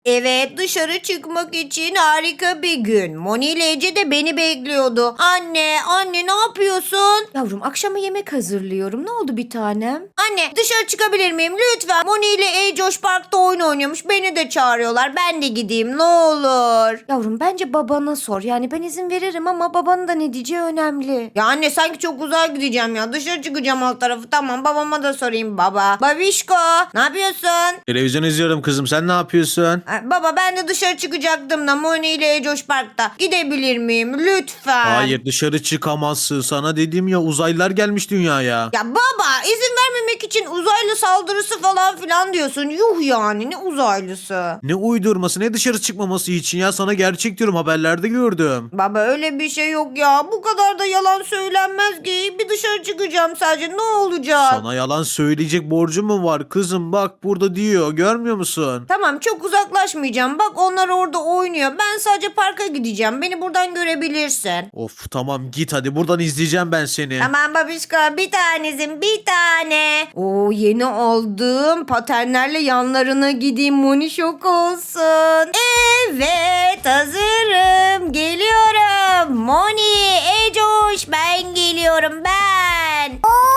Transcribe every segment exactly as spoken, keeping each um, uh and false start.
Evet, dışarı çıkmak için harika bir gün. Moni ile Ece de beni bekliyordu. Anne, anne ne yapıyorsun? Yavrum akşama yemek hazırlıyorum. Ne oldu bir tanem? Anne dışarı çıkabilir miyim lütfen? Moni ile Ecoş parkta oyun oynuyormuş. Beni de çağırıyorlar. Ben de gideyim ne olur. Yavrum bence babana sor. Yani ben izin veririm ama babanın da ne diyeceği önemli. Ya anne sanki çok uzağa gideceğim ya. Dışarı çıkacağım alt tarafı. Tamam babama da sorayım baba. Babişko ne yapıyorsun? Televizyon izliyorum kızım, sen ne yapıyorsun? Ha, Baba ben de dışarı çıkacaktım da Moni ile Ecoş parkta. Gidebilir miyim lütfen? Hayır, dışarı çıkamazsın. Sana dedim ya, uzaylılar gelmiş dünyaya. Ya baba izin vermemek için uzaylı saldırısı falan filan diyorsun. Yuh yani ne uzaylısı? Ne uydurması, ne dışarı çıkmaması için ya, sana gerçek diyorum, haberlerde gördüm. Baba öyle bir şey yok ya. Bu kadar da yalan söylenmez ki. Bir dışarı çıkacağım sadece ne olacak? Sana yalan söyleyecek borcum mu var kızım? Bak burada diyor, görmüyor musun? Tamam çok uzaklaşmayacağım. Bak onlar orada oynuyor. Ben sadece parka gideceğim. Beni buradan görebilirsin. Of tamam, git hadi, buradan izleyeceğim ben seni. Tamam babişko bir tanesin bir tane. Oo yeni aldım. Patenlerle yanlarına gideyim. Moni şok olsun. Evet hazırım. Geliyorum. Moni, Ecoş ben geliyorum ben.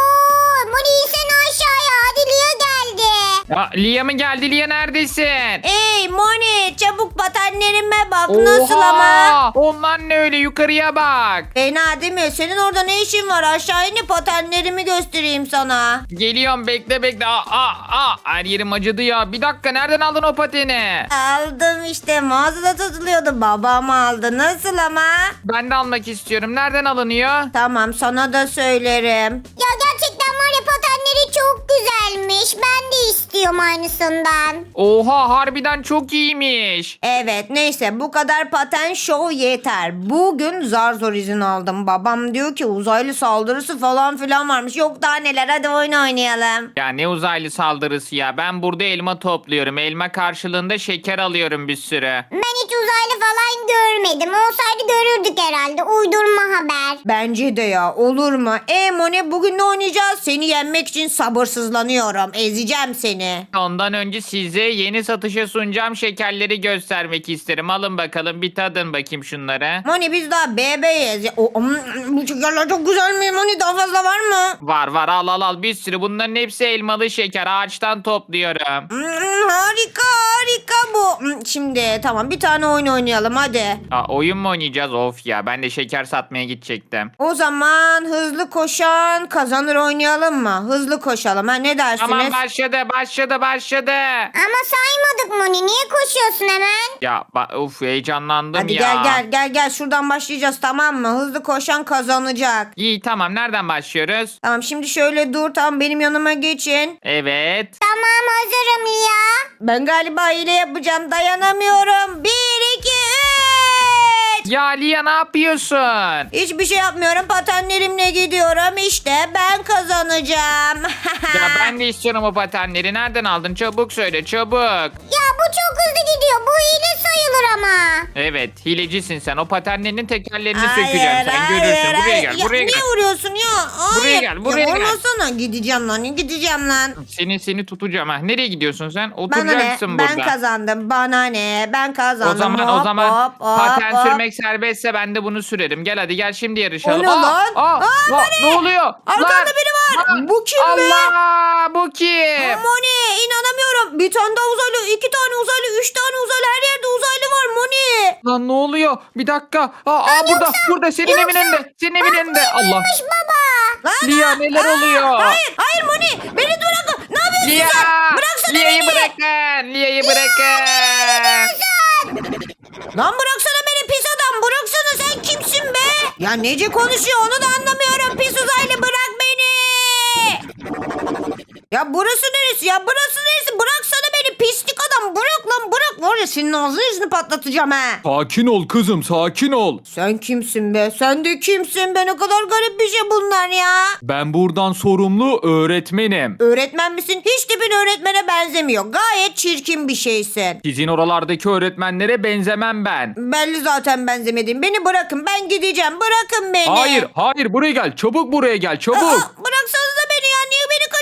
Oo, Moni sen aşağıya. Hadi Lia geldi. Ya, Lia mı geldi? Lia neredesin? Ey Moni çabuk patenlerime bak nasıl ama. Onlar ne öyle, yukarıya bak. Fena değil mi? Senin orada ne işin var? Aşağı inip patenlerimi göstereyim sana. Geliyorum, bekle bekle. Aa, aa, aa. Her yerim acıdı ya. Bir dakika, nereden aldın o pateni? Aldım işte mağazada satılıyordu. Babam aldı. Nasıl ama? Ben de almak istiyorum. Nereden alınıyor? Tamam sana da söylerim. Ya gerçekten var ya patenleri çok güzelmiş. Ben de istiyorum aynısından. Oha, harbiden çok iyiymiş. Evet neyse bu kadar paten show yeter. Bugün zar zor izin aldım. Babam diyor ki uzaylı saldırısı falan filan varmış. Yok daha neler hadi oyun oynayalım. Ya ne uzaylı saldırısı ya. Ben burada elma topluyorum. Elma karşılığında şeker alıyorum bir sürü. Ben hiç uzaylı falan görmedim. Olsaydı görürdük herhalde. Uydurma haber. Bence de ya olur mu? E Moni bugün ne oynayacağız? Seni yenmek için sabırsızlanıyorum. Ezeceğim seni. Ondan önce size yeni satışa sunacağım şekerleri göstermek isterim. Alın bakalım, bir tadın bakayım şunları. Moni biz daha bebeğiz. Ya, o, mm, bu şekerler çok güzel mi Moni? Daha fazla var mı? Var var, al al al, bir sürü. Bunların hepsi elmalı şeker. Ağaçtan topluyorum. Mm, harika harika bu. Mm, Şimdi tamam bir tane oyun oynayalım hadi. Aa, oyun mu oynayacağız? Of ya, ben de şeker satmaya gidecektim. O zaman hızlı koşan kazanır oynayalım mı? Hızlı koşalım ha ne dersiniz? Tamam, başladı başladı başladı. Ama saymadık Moni. Niye koşuyorsun hemen? Ya ba- of, heyecanlandım Hadi ya. gel gel gel gel şuradan başlayacağız tamam mı? Hızlı koşan kazanacak. İyi, tamam, nereden başlıyoruz? Tamam şimdi şöyle dur tamam benim yanıma geçin. Evet. Tamam hazırım Lia. Ben galiba hile yapacağım dayanamıyorum. Bir iki üç. Ya Lia, ne yapıyorsun? Hiçbir şey yapmıyorum patenlerimle gidiyorum işte ben kazanacağım. Ya ben de istiyorum o patenleri. Nereden aldın? Çabuk söyle, çabuk. Ya bu çok hızlı gidiyor. Bu hile sayılır ama. Evet, hilecisin sen. O patenlerinin tekerlerini Hayır, sökeceğim. Sen hayır, görürsün. Buraya hayır. gel, Ya, buraya gel. niye vuruyorsun ya? Hayır. Buraya gel, buraya ya, gel. Olmasana gideceğim lan gideceğim lan. Seni seni tutacağım ha. Nereye gidiyorsun sen? Bana ne? Oturacaksın Ben burada. kazandım. Bana ne? Ben kazandım. O zaman Hop, o zaman hop, hop, paten hop. sürmek serbestse ben de bunu sürerim. Gel hadi, gel şimdi yarışalım. O ne lan? Aa, Aa, aa, ne oluyor? Arkanda Lan, biri var. lan. Bu kim be? Allah, bu kim? Moni inanamıyorum. Bir tane daha uzaylı, iki tane uzaylı, üç tane uzaylı. Her yerde uzaylı var Moni. Lan ne oluyor? Bir dakika. Aa, aa burada, burada senin evin önünde. Senin evin önünde. Allah. Baba. Lan, Lia, neler aa, oluyor? Hayır, hayır Moni. Beni bırakın. Ne yapıyorsun Lia! sen? Bıraksana Lia'yı beni. bırakın. Lia'yı bırakın. Lan bıraksana beni pis adam. Bıraksana sen kimsin be? Ya nece konuşuyor onu da anlamıyorum. Pis uzaylı bırak beni. Ya burası neresi ya? Burası neresi? Bıraksana beni pislik adam. Bırak lan bırak. Var ya senin ağzını yüzünü patlatacağım ha. Sakin ol kızım, sakin ol. Sen kimsin be? Sen de kimsin be? Ne kadar garip bir şey bunlar ya. Ben buradan sorumlu öğretmenim. Öğretmen misin? Hiç tipin öğretmene benzemiyor. Gayet çirkin bir şeysin. Sizin oralardaki öğretmenlere benzemem ben. Belli zaten benzemediğim. Beni bırakın. Ben gideceğim. Bırakın beni. Hayır, hayır, buraya gel. Çabuk buraya gel, çabuk. Aa, bıraksanıza beni ya. Niye beni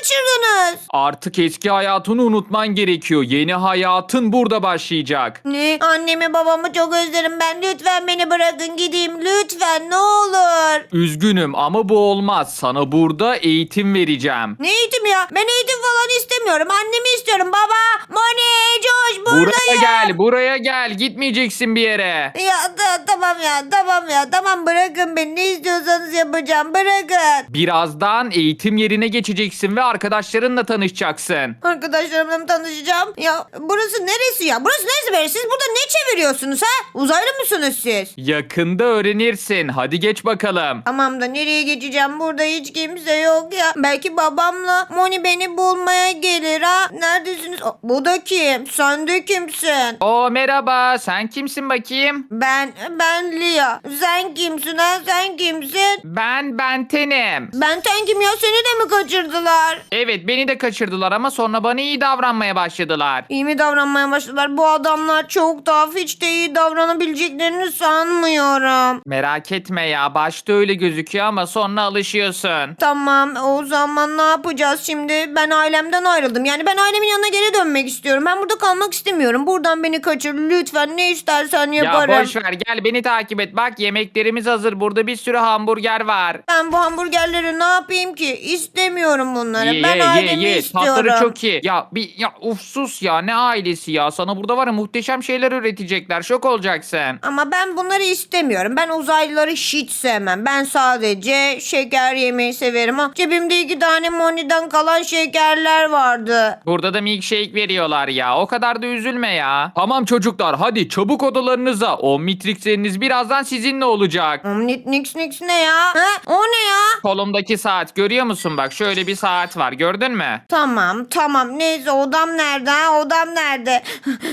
kaçırdınız? Artık eski hayatını unutman gerekiyor. Yeni hayatın burada başlayacak. Ne? Annemi babamı çok özlerim ben. Lütfen beni bırakın gideyim. Lütfen ne olur. Üzgünüm ama bu olmaz. Sana burada eğitim vereceğim. Ne eğitim ya? Ben eğitim falan istemiyorum. Annemi istiyorum. Baba, Moni, Coş buradayım. Buraya gel, buraya gel. Gitmeyeceksin bir yere. Ya ta- tamam ya tamam ya tamam bırakın beni. Ne istiyorsanız yapacağım. Bırakın. Birazdan eğitim yerine geçeceksin ve arkadaşlarınla tanışacaksın. Arkadaşlarımla mı tanışacağım? Ya burası neresi ya? Burası neresi böyle? Siz burada ne çeviriyorsunuz ha? Uzaylı mısınız siz? Yakında öğrenirsin. Hadi geç bakalım. Tamam da nereye geçeceğim? Burada hiç kimse yok ya. Belki babamla Moni beni bulmaya gelir ha. Neredesiniz? Aa, bu da kim? Sen de kimsin? Oo merhaba, sen kimsin bakayım? Ben, ben Lia. Sen kimsin ha? Sen kimsin? Ben Benten'im. Benten kim ya? Seni de mi kaçırdılar? Evet, beni de kaçırdılar ama sonra bana iyi davranmaya başladılar. İyi mi davranmaya başladılar? Bu adamlar çok tuhaf. Hiç de iyi davranabileceklerini sanmıyorum. Merak etme ya, başta öyle gözüküyor ama sonra alışıyorsun. Tamam o zaman ne yapacağız şimdi? Ben ailemden ayrıldım. Yani ben ailemin yanına geri dönmek istiyorum. Ben burada kalmak istemiyorum. Buradan beni kaçır lütfen. Ne istersen yaparım. Ya boş ver, gel beni takip et. Bak yemeklerimiz hazır. Burada bir sürü hamburger var. Ben bu hamburgerleri ne yapayım ki? İstemiyorum bunları. Ye ben ye ye ailemi ye. istiyorum. Tatları çok iyi. Ya bir ya uf sus ya, ne ailesi ya. Sana burada var ya muhteşem şeyler üretecekler. Şok olacaksın. Ama ben bunları istemiyorum. Ben uzaylıları hiç sevmem. Ben sadece şeker yemeyi severim. Ha, cebimde iki tane Moni'den kalan şekerler vardı. Burada da milkshake veriyorlar ya. O kadar da üzülme ya. Tamam çocuklar hadi çabuk odalarınıza. O Matrix'leriniz birazdan sizinle olacak. Omnit nix nix ne ya? Ha? O ne ya? Kolumdaki saat görüyor musun? Bak şöyle bir saat var. Gördün mü? Tamam tamam neyse odam nerede ha odam nerede?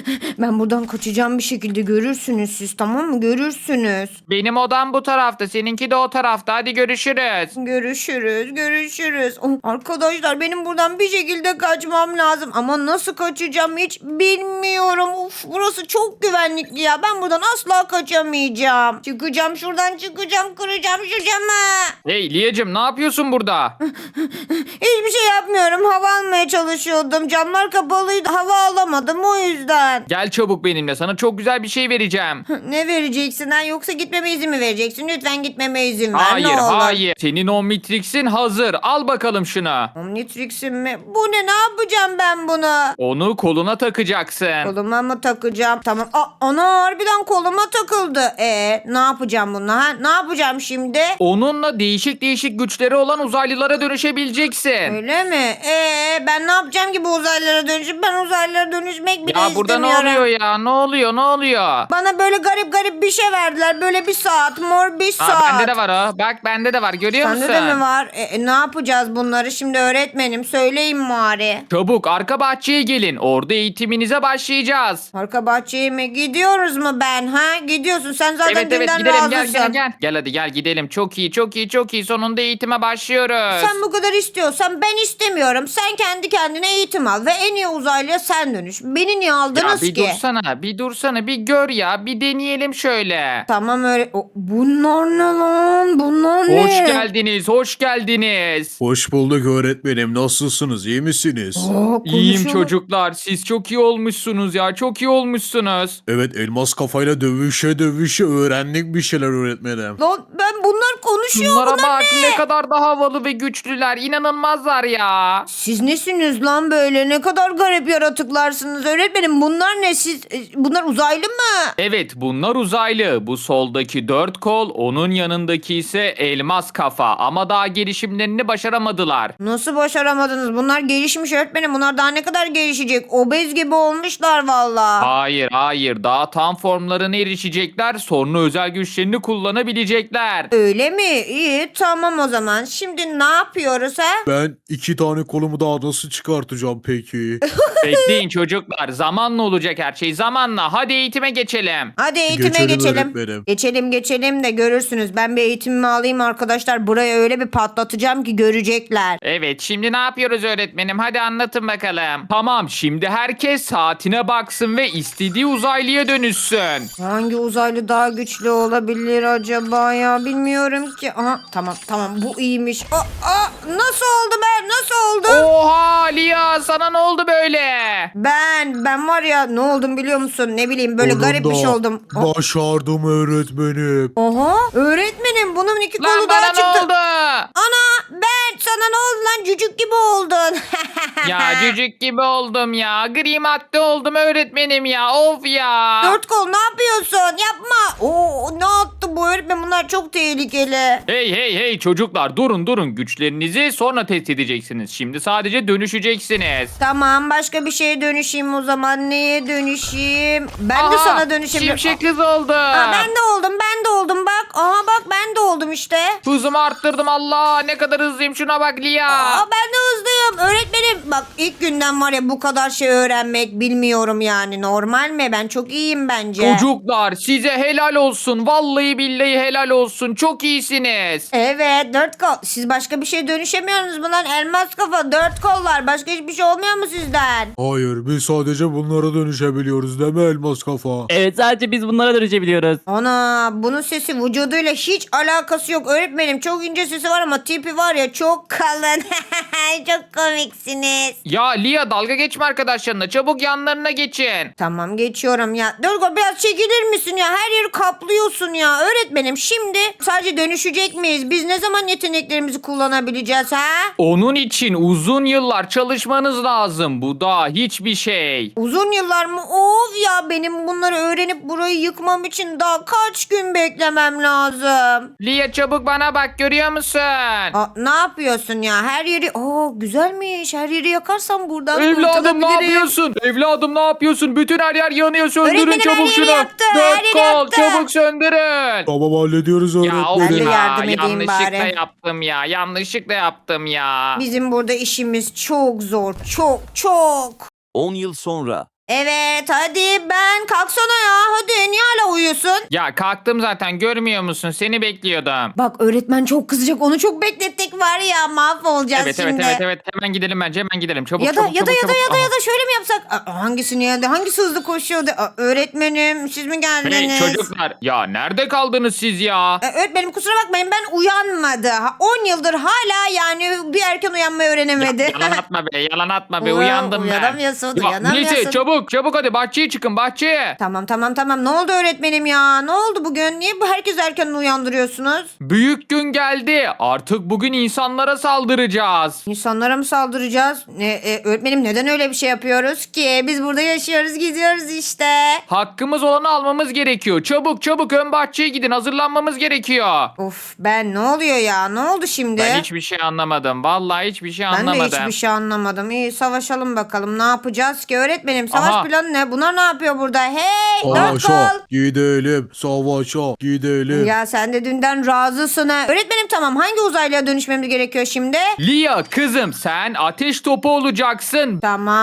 Ben buradan kaçacağım bir şekilde görürsünüz siz tamam mı görürsünüz. Benim odam bu tarafta. Seninki de o tarafta. Hadi görüşürüz. Görüşürüz görüşürüz. Oh, arkadaşlar benim buradan bir şekilde kaçmam lazım ama nasıl kaçacağım hiç bilmiyorum. Uf, burası çok güvenlikli ya ben buradan asla kaçamayacağım. Çıkacağım şuradan çıkacağım kıracağım şu camı. Hey Liyacım ne yapıyorsun burada? Hiçbir şey yapmıyorum hava almaya çalışıyordum camlar kapalıydı hava alamadım o yüzden. Gel çabuk benimle sana çok güzel bir şey vereceğim. Ne vereceksin ha yoksa gitmeme izin mi vereceksin? Lütfen gitmeme izin ver Hayır ne olur. hayır. Senin o Matrix'in hazır. Al bakalım şunu. Omnitrix'im mi? Bu ne ne yapacağım ben bunu? Onu koluna takacaksın. Koluma mı takacağım? Tamam. Aa, ana harbiden koluma takıldı. E ne yapacağım bununla ha? Ne yapacağım şimdi? Onunla değişik değişik güçleri olan uzaylılara dönüşebileceksin. Öyle mi? E ben ne yapacağım ki bu uzaylılara dönüşüp ben uzaylılara dönüşmek bile Ya burada ne istemiyorum. oluyor ya? Ne oluyor? Ne oluyor? Bana böyle garip garip bir şey verdiler. Böyle bir saat, mor bir saat. Aa, bende de var o. Bak bende de var. Görüyor Sende musun? de mi var? E, e, ne yapacağız bunları şimdi öğretmenim? Söyleyin bari. Çabuk arka bahçeye gelin. Orada eğitiminize başlayacağız. Arka bahçeye mi? Gidiyoruz mu ben ha? Gidiyorsun. Sen zaten Evet evet dünden gidelim razısın. gel gel gel. Gel hadi gel gidelim. Çok iyi çok iyi çok iyi. Sonunda eğitime başlıyoruz. Sen bu kadar istiyorsan ben istemiyorum. Sen kendi kendine eğitim al ve en iyi uzaylıya sen dönüş. Beni niye Ya aldınız bir ki? dursana bir dursana bir gör ya. Bir deneyelim şöyle. Tamam öyle. O, bunlar ne lan? Bunlar ne? Hoş geldiniz, hoş geldiniz. Hoş bulduk öğretmenim. Nasılsınız? İyi misiniz? Aa, İyiyim konuşuyor. çocuklar. Siz çok iyi olmuşsunuz ya. Çok iyi olmuşsunuz. Evet elmas kafayla dövüşe dövüşe öğrendik bir şeyler öğretmenim. Lan ben bunlar konuşuyor. Şunlara bunlar bak ne? ne kadar da havalı ve güçlüler. İnanılmazlar ya. Siz nesiniz lan böyle? Ne kadar garip yaratıklarsınız öğretmenim. Bunlar ne? Siz e, bunlar uzaylı mı? Evet bunlar uzaylı. Bu soldaki dört kol, onun yanındaki ise elmas kafa. Ama daha gelişimlerini başaramadılar. Nasıl başaramadınız? Bunlar gelişmiş öğretmenim. Bunlar daha ne kadar gelişecek? Obez gibi olmuşlar valla. Hayır hayır daha tam formlarına erişecekler. Sonra özel güçlerini kullanabilecekler. Öyle mi? İyi tamam o zaman. Şimdi ne yapıyoruz ha? Ben iki tane kolumu daha nasıl çıkartacağım peki? Bekleyin çocuklar. Zamanla olacak her şey. Zamanla. Hadi eğitime geçelim. Hadi eğitime Geçelim geçelim. öğretmenim. Geçelim geçelim de görürsünüz. Ben bir eğitimimi alayım arkadaşlar. Buraya öyle bir patlatacağım ki görecekler. Evet şimdi ne yapıyoruz öğretmenim? Hadi anlatın bakalım. Tamam şimdi herkes saatine baksın ve istediği uzaylıya dönüşsün. Hangi uzaylı daha güçlü olabilir acaba ya? Bilmiyorum anlamıyorum ki. Aha, tamam tamam bu iyiymiş. Aa, aa, nasıl oldu ben? Nasıl oldum? Oha Lia, sana ne oldu böyle? Ben ben var ya ne oldum biliyor musun? Ne bileyim böyle garip bir şey oldum. Aa, Başardım öğretmenim. Oha öğretmenim bunun iki Lan kolu daha bana ne çıktı. oldu? Ana ben sana ne oldu lan cücük gibi oldun. Ya cücük gibi oldum ya. Gri madde oldum öğretmenim ya. Of ya. Dört kol ne yapıyorsun? Yapma. Oo ne attı bu öğretmen bunlar çok tehlikeli. Hey hey hey çocuklar, durun durun, güçlerinizi sonra test edeceksiniz. Şimdi sadece dönüşeceksiniz. Tamam başka bir şeye dönüşeyim o zaman. Neye dönüşeyim? Ben de Aha, sana dönüşebilirim. Şimşek kız oldu. Aa, ben de oldum ben de oldum bak. Aha bak ben de oldum işte. Hızımı arttırdım, Allah ne kadar hızlıyım, şuna bak Lia. Aa, ben de hızlıyım. Öğretmenim bak ilk günden var ya bu kadar şey öğrenmek bilmiyorum yani. Normal mi? Ben çok iyiyim bence. Çocuklar size helal olsun. Vallahi billahi helal olsun. Çok iyisiniz. Evet dört kol. Siz başka bir şey dönüşemiyorsunuz mu lan? Elmas kafa dört kollar. Başka hiçbir şey olmuyor mu sizden? Hayır biz sadece bunlara dönüşebiliyoruz değil mi elmas kafa? Evet sadece biz bunlara dönüşebiliyoruz. Ana bunun sesi vücuduyla hiç alakası yok. Öğretmenim çok ince sesi var ama tipi var ya çok kalın. Çok komiksiniz. Ya Lia, dalga geçme arkadaşlarına. Çabuk yanlarına geçin. Tamam geçiyorum ya. Durgo biraz çekilir misin ya? Her yeri kaplıyorsun ya. Öğretmenim şimdi sadece dönüşecek miyiz? Biz ne zaman yeteneklerimizi kullanabileceğiz ha? Onun için uzun yıllar çalışmanız lazım. Bu da hiçbir şey. Uzun yıllar mı? Of ya benim bunları öğrenip burayı yıkmam için daha kaç gün beklemem lazım. Lia çabuk bana bak, görüyor musun? Aa, ne yapıyorsun ya? Her yeri... Oo güzelmiş. Her yeri yakarsam buradan Evladım ne kurtulabilirim. yapıyorsun? Evladım ne yapıyorsun? Bütün her yer yanıyor. Söndürün Öğretmenim, her çabuk yeri şunu. yaktı, her Dört yeri kol yaktı. çabuk söndürün. Tamam hallediyoruz Ya öğretmenim. Ben de of yardım ya, edeyim yanlışlıkla bari. yaptım ya. Yanlışlıkla yaptım ya. Bizim burada işimiz çok zor. Çok çok. on yıl sonra. Evet hadi ben kalksana ya. Hadi niye hala uyuyorsun? Ya kalktım zaten, görmüyor musun? Seni bekliyordum. Bak öğretmen çok kızacak. Onu çok beklettik var ya mahvolacağız Evet şimdi. evet evet evet hemen gidelim bence, hemen gidelim. Çabuk Ya da çabuk ya da çabuk, ya da çabuk. ya da ya Aha. da şöyle mi yapsak? Aa, hangisini ya da hangisi hızlı koşuyordu? Aa, öğretmenim siz mi Hey geldiniz? çocuklar, ya nerede kaldınız siz ya? Ee, öğretmenim kusura bakmayın ben uyanmadı. Ha, on yıldır hala yani bir erken uyanmayı öğrenemedi. Ya, yalan atma be, yalan atma be, Uyan- uyandım ben. uyanamıyorsun, Ya, uyanamıyorsun. neyse çabuk çabuk hadi bahçeye çıkın, bahçeye. Tamam tamam tamam ne oldu öğretmenim ya? Ne oldu bugün? Niye bu herkes erken uyandırıyorsunuz? Büyük gün geldi. Artık bugün insanlara saldıracağız. İnsanlara mı saldıracağız? Ne, e, öğretmenim neden öyle bir şey yapıyoruz ki? Biz burada yaşıyoruz gidiyoruz işte. Hakkımız olanı almamız gerekiyor. Çabuk çabuk ön bahçeye gidin, hazırlanmamız gerekiyor. Of ben ne oluyor ya? Ne oldu şimdi? Ben hiçbir şey anlamadım. Vallahi hiçbir şey Ben de anlamadım. hiçbir şey anlamadım. İyi savaşalım bakalım. Ne yapacağız ki öğretmenim? Savaş Aha. planı ne? Bunlar ne yapıyor burada? Hey dört Savaşa kol. gidelim. Savaşa gidelim. Ya sen de dünden razısın ha. Öğretmenim tamam hangi uzaylıya dönüşmemiz gerekiyor şimdi? Lia kızım, sen ateş topu olacaksın.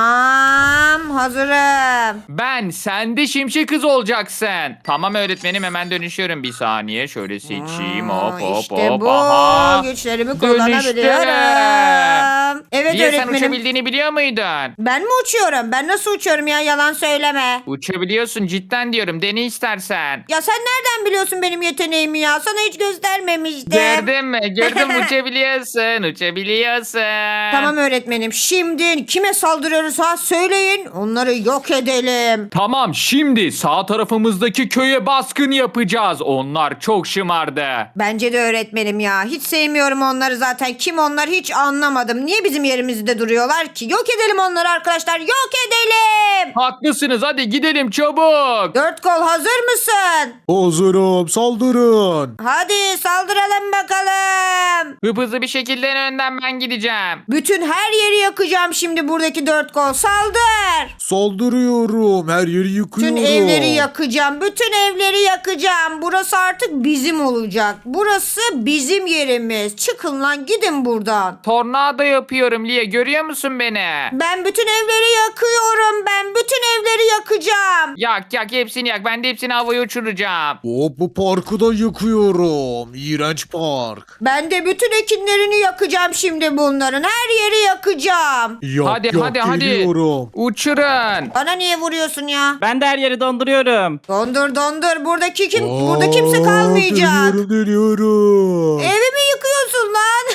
Tamam hazırım. Ben, sen de şimşek kız olacaksın. Tamam öğretmenim, hemen dönüşüyorum. Bir saniye şöyle seçeyim. Aa, Hop hop işte hop. bu. Aha. Güçlerimi Dönüştüm. kullanabiliyorum. Evet Lia sen öğretmenim. uçabildiğini biliyor muydun? Ben mi uçuyorum? Ben nasıl uçuyorum ya? Yalan söyleme. Uçabiliyorsun, cidden diyorum. Dene istersen. Ya sen nereden biliyorsun benim yeteneğimi ya? Sana hiç göstermemiştim. Gördün mü? Gördün mü? Uçabiliyorsun. Uçabiliyorsun. Tamam öğretmenim. Şimdi kime saldırıyoruz ha? Söyleyin. Onları yok edelim. Tamam, şimdi sağ tarafımızdaki köye baskın yapacağız. Onlar çok şımardı. Bence de öğretmenim ya. Hiç sevmiyorum onları zaten. Kim onlar hiç anlamadım. Niye bizim yerimizde duruyorlar ki? Yok edelim onları arkadaşlar. Yok edelim. Haklısınız, hadi gidelim çabuk. Dört kol hazır mısın? Hazırım saldırın. Hadi saldıralım bakalım. Hıp hızlı bir şekilde en önden ben gideceğim. Bütün her yeri yakacağım şimdi buradaki dört kol. Saldır. Saldırıyorum. Her yeri yıkıyorum. Bütün evleri yakacağım. Bütün evleri yakacağım. Burası artık bizim olacak. Burası bizim yerimiz. Çıkın lan gidin buradan. Tornado yapıyorum Lia, görüyor musun beni? Ben bütün evleri yakıyorum. Ben bütün evleri yakacağım. Yak yak hepsini yak. Ben de hepsini havaya havaya uçuracağım. Hop, bu parkı da yıkıyorum. İğrenç park. Ben de bütün ekinlerini yakacağım şimdi bunların. Her yeri yakacağım. Yak, Hadi, yak, hadi, hadi. geliyorum. Uçurun. Bana niye vuruyorsun ya? Ben de her yeri donduruyorum. Dondur dondur. Buradaki kim? Burada Aa, kimse kalmayacak. Dönüyorum dönüyorum. Evimi yıkıyorsun lan.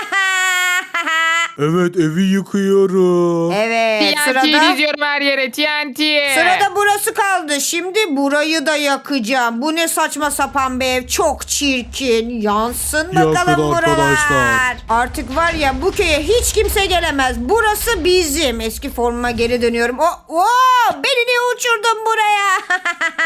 Evet, evi yıkıyorum. Evet T N T sırada. diziyorum her yere T N T. Sırada burası kaldı. Şimdi burayı da yakacağım. Bu ne saçma sapan bir ev. Çok çirkin. Yansın Yakın bakalım buralar. arkadaşlar. Artık var ya bu köye hiç kimse gelemez. Burası bizim. Eski formuma geri dönüyorum. Oh, oh, beni niye uçurdun buraya?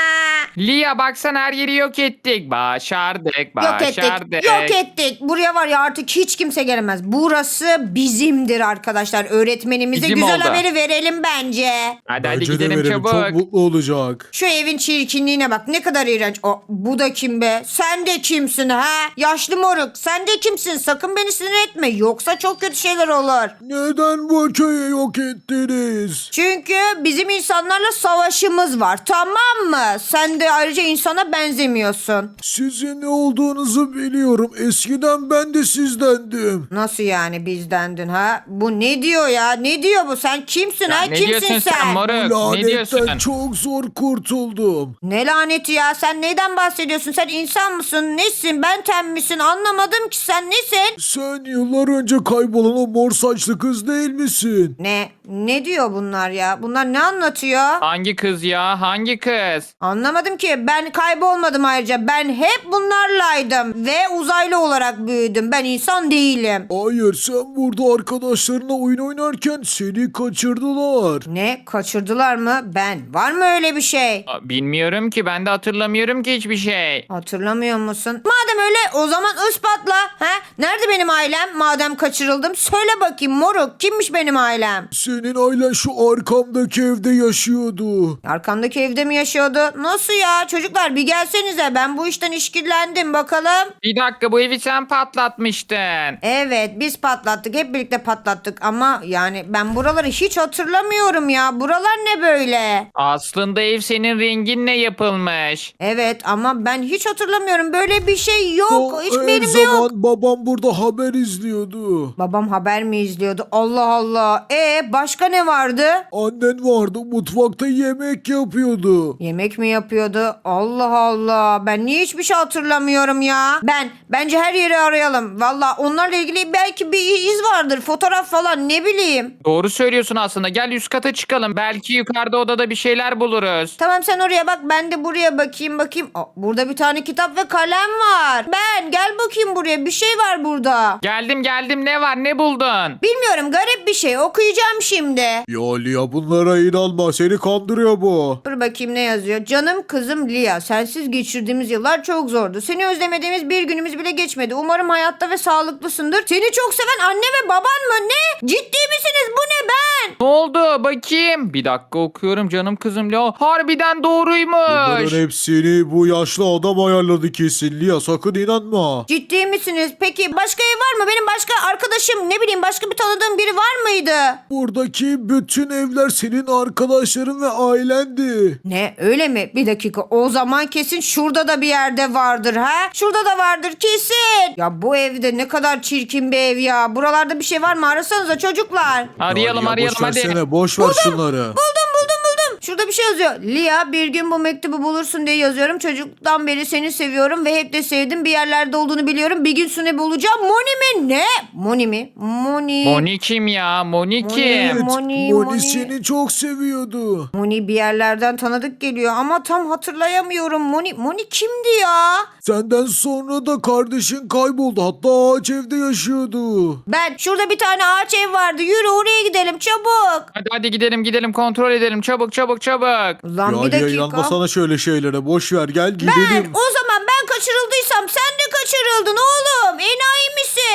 Lia baksana her yeri yok ettik. Başardık Yok başardık. ettik. Yok ettik. Buraya var ya artık hiç kimse gelemez. Burası bizimdir arkadaşlar. Öğretmenimize Bizim güzel oldu. haberi verelim bence. Hadi hadi Bence de gidelim verelim, çabuk. çok mutlu olacak. Şu evin çirkinliğine bak. Ne kadar iğrenç. O, bu da kim be? Sen de kimsin ha? Yaşlı moruk. Sen de kimsin? Sakın beni sinir etme. Yoksa çok kötü şeyler olur. Neden bu köyü yok ettiniz? Çünkü bizim insanlarla savaşımız var. Tamam mı? Sen de ayrıca insana benzemiyorsun. Sizin ne olduğunuzu biliyorum. Eskiden ben de sizdendim. Nasıl yani bizdendin ha? Bu ne diyor ya? Ne diyor bu? Sen kimsin Ya ha? ne Kimsin diyorsun sen, sen? moruk? Ne Lanetten diyorsun? çok zor kurtuldum. Ne laneti ya? Sen neyden bahsediyorsun? Sen insan mısın? Nesin? Benten misin? Anlamadım ki sen nesin? Sen yıllar önce kaybolan o mor saçlı kız değil misin? Ne? Ne diyor bunlar ya? Bunlar ne anlatıyor? Hangi kız ya? Hangi kız? Anlamadım ki. Ben kaybolmadım ayrıca. Ben hep bunlarlaydım. Ve uzaylı olarak büyüdüm. Ben insan değilim. Hayır, sen burada arkadaşlarına oyun oynarken seni kaçırdılar. Ne? Kaçırdılar mı? Ben. Var mı öyle bir şey? Aa, bilmiyorum ki ben de hatırlamıyorum ki hiçbir şey. Hatırlamıyor musun? Madem öyle o zaman ispatla. Ha? Nerede benim ailem? Madem kaçırıldım. Söyle bakayım moruk. Kimmiş benim ailem? Senin ailen şu arkamdaki evde yaşıyordu. Arkamdaki evde mi yaşıyordu? Nasıl ya? Çocuklar bir gelsenize. Ben bu işten işkillendim bakalım. Bir dakika bu evi sen patlatmıştın. Evet biz patlattık. Hep birlikte patlattık. Ama yani ben buraları hiç hatırlamıyorum ya. Buralar ne böyle? Aslında ev senin renginle yapılmış. Evet ama ben hiç hatırlamıyorum. Böyle bir şey yok. O Hiç her benim de zaman yok. babam burada haber izliyordu. Babam haber mi izliyordu? Allah Allah. E başka ne vardı? Annen vardı, mutfakta yemek yapıyordu. Yemek mi yapıyordu? Allah Allah. Ben niye hiçbir şey hatırlamıyorum ya? Ben bence her yeri arayalım. Valla onlarla ilgili belki bir iz vardır. Fotoğraf falan ne bileyim. Doğru söylüyorsun aslında. Gel üst kata çıkalım. Belki yukarıda odada bir şeyler buluruz. Tamam sen oraya bak ben de buraya bakayım bakayım. Aa, burada bir tane kitap ve kalem var. Ben gel bakayım buraya bir şey var burada. Geldim geldim ne var ne buldun? Bilmiyorum garip bir şey okuyacağım şimdi. Ya Lia, bunlara inanma, seni kandırıyor bu. Dur bakayım ne yazıyor. Canım kızım Lia sensiz geçirdiğimiz yıllar çok zordu. Seni özlemediğimiz bir günümüz bile geçmedi. Umarım hayatta ve sağlıklısındır. Seni çok seven anne ve baban mı? Ne? Ciddi misiniz? Bu ne ben? Ne oldu bakayım? Bir dakika okuyorum canım kızım. Ya, harbiden doğruymuş. Bunların hepsini bu yaşlı adam ayarladı kesin. Lia, sakın inanma. Ciddi misiniz? Peki başka ev var mı? Benim başka arkadaşım ne bileyim başka bir tanıdığım biri var mıydı? Buradaki bütün evler senin arkadaşların ve ailendi. Ne öyle mi? Bir dakika o zaman kesin şurada da bir yerde vardır ha? Şurada da vardır kesin. Ya bu evde ne kadar çirkin bir ev ya. Buralarda bir şey var mı? Arasanıza çocuklar. Arayalım Ya Lia, arayalım boş hadi. versene, boş ver şunları. Buldum buldum buldum. Şurada bir şey yazıyor. Lia bir gün bu mektubu bulursun diye yazıyorum. Çocuktan beri seni seviyorum ve hep de sevdim. Bir yerlerde olduğunu biliyorum. Bir gün seni bulacağım. Moni mi? Ne? Moni mi? Moni. Moni kim ya? Moni kim? Evet, Moni, Moni, Moni. seni çok seviyordu. Moni bir yerlerden tanıdık geliyor ama tam hatırlayamıyorum. Moni Moni kimdi ya? Senden sonra da kardeşin kayboldu. Hatta ağaç evde yaşıyordu. Ben şurada bir tane ağaç ev vardı. Yürü oraya gidelim çabuk. Hadi hadi gidelim gidelim kontrol edelim. Çabuk çabuk çabuk. Ulan Ya bir Lia, dakika. inanmasana şöyle şeylere. Boş ver, gel Ben gidelim. o zaman ben kaçırıldıysam sen de kaçırıldın oğlum. Enayi misin?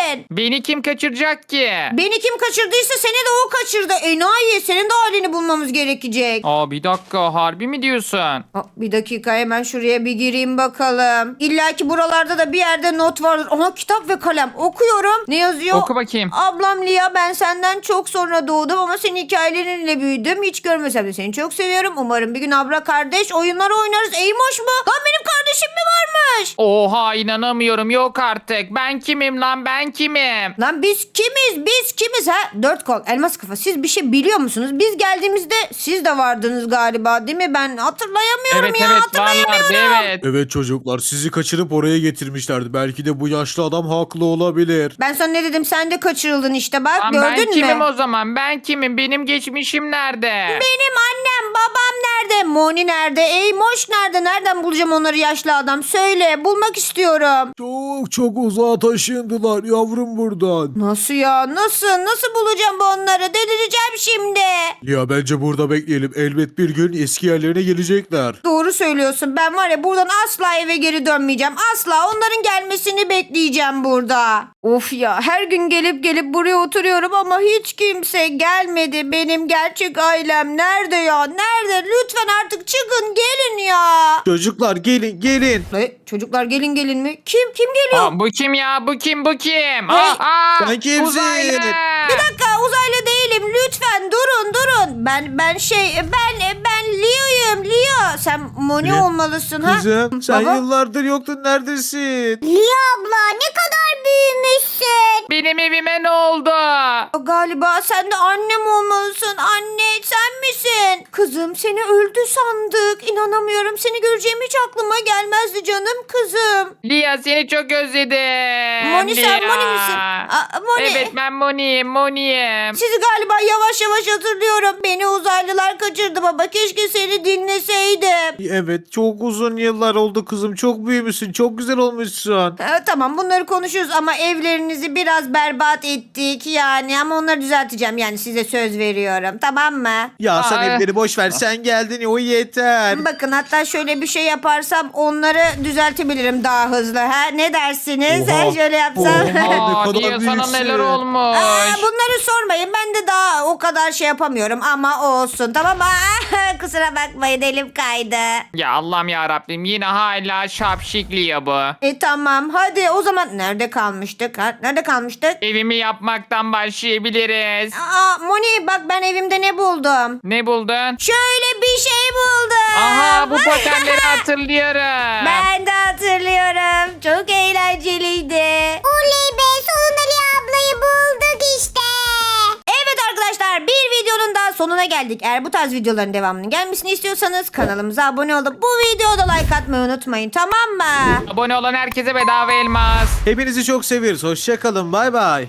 misin? Beni kim kaçıracak ki? Beni kim kaçırdıysa seni de o kaçırdı. Enayi, senin de halini bulmamız gerekecek. Aa bir dakika, harbi mi diyorsun? Aa, bir dakika, hemen şuraya bir gireyim bakalım. İlla ki buralarda da bir yerde not vardır. Aha, kitap ve kalem. Okuyorum. Ne yazıyor? Oku bakayım. Ablam Lia, ben senden çok sonra doğdum ama senin hikayelerinle büyüdüm. Hiç görmesem de seni çok seviyorum. Umarım bir gün abla kardeş oyunlar oynarız. Eymoş mu? Lan benim kardeşim mi varmış? Oha, inanamıyorum, yok artık. Ben kimim lan, ben kimim? Lan biz kimiz? Biz kimiz ha? Dört kol, elmas kafa. Siz bir şey biliyor musunuz? Biz geldiğimizde siz de vardınız galiba, değil mi? Ben hatırlayamıyorum Evet ya. evet, hatırlayamıyorum. varlardı evet. Evet çocuklar, sizi kaçırıp oraya getirmişlerdi. Belki de bu yaşlı adam haklı olabilir. Ben sana ne dedim? Sen de kaçırıldın işte, bak Lan gördün ben mü? kimim o zaman? Ben kimim? Benim geçmişim nerede? Benim annem, babam nerede? Moni nerede? Eymoş nerede? Nereden bulacağım onları, yaşlı adam? Söyle, bulmak istiyorum. Çok çok uzağa taşındılar yavrum buradan. Nasıl ya? Nasıl? Nasıl bulacağım onları? Delireceğim şimdi. Ya bence burada bekleyelim. Elbet bir gün eski yerlerine gelecekler. Doğru söylüyorsun. Ben var ya, buradan asla eve geri dönmeyeceğim. Asla onların gelmesini bekleyeceğim burada. Of ya, her gün gelip gelip buraya oturuyorum ama hiç kimse gelmedi. Benim gerçek ailem nerede ya? Nerede? Lütfen artık çıkın, gelin ya. Çocuklar gelin gelin. E, çocuklar gelin gelin mi? Kim? Kim geliyor? Aa, bu kim ya? Bu kim? Bu kim? Hey, Aa, aa, sen kimsin? uzaylı. Bir dakika, uzaylı değilim. Lütfen durun durun. Ben ben şey ben ben Leo'yum. Leo. Sen Moni Ne? olmalısın ha? Kızım sen Baba? yıllardır yoktun, neredesin? Lia abla ne kadar büyümüşsün. Benim evime ne oldu? Galiba sen de annem olmalısın. Anne, sen misin? Kızım, seni öldü sandık. İnanamıyorum. Seni göreceğim hiç aklıma gelmezdi canım kızım. Lia, seni çok özledim. Moni, sen Lia. Moni misin? Aa, Moni. Evet, ben Moni'yim, Moni'yim. Sizi galiba yavaş yavaş hatırlıyorum. Beni uzaylılar kaçırdı baba. Keşke seni dinleseydim. Evet, çok uzun yıllar oldu kızım. Çok büyümüşsün. Çok güzel olmuşsun. Ee, tamam, bunları konuşuyoruz ama evlerinizi biraz berbat ettik yani, ama onları düzelteceğim yani, size söz veriyorum, tamam mı? Ya sen Aa. evleri boş ver. Sen geldin, o yeter. Bakın, hatta şöyle bir şey yaparsam onları düzeltebilirim daha hızlı, ha? Ne dersiniz? Oha. Ha, şöyle yapsam. Oha. Ne Aa, kadar Lia, sana büyüksün. neler olmuş? Aa, bunları sormayın, ben de daha o kadar şey yapamıyorum ama olsun, tamam mı? Aa, kusura bakmayın, elim kaydı. Ya Allah'ım ya Rabbim, yine hala şapşik Lia bu. E tamam, hadi o zaman nerede kalmıştık? Ha? Nerede kalmıştık? Evimi yapmaktan başlayabiliriz. Aa, Moni, bak ben evimde ne buldum? Ne buldun? Şöyle bir şey buldum. Aha, bu patenleri hatırlıyorum. Ben de hatırlıyorum. Çok eğlenceliydi. Oley be, sonunda Lia ablayı bulduk işte. Evet arkadaşlar, bir videonun daha sonuna geldik. Eğer bu tarz videoların devamının gelmesini istiyorsanız kanalımıza abone olup bu videoda like atmayı unutmayın, tamam mı? Abone olan herkese bedava elmas. Hepinizi çok seviyoruz. Hoşça kalın. Bay bay.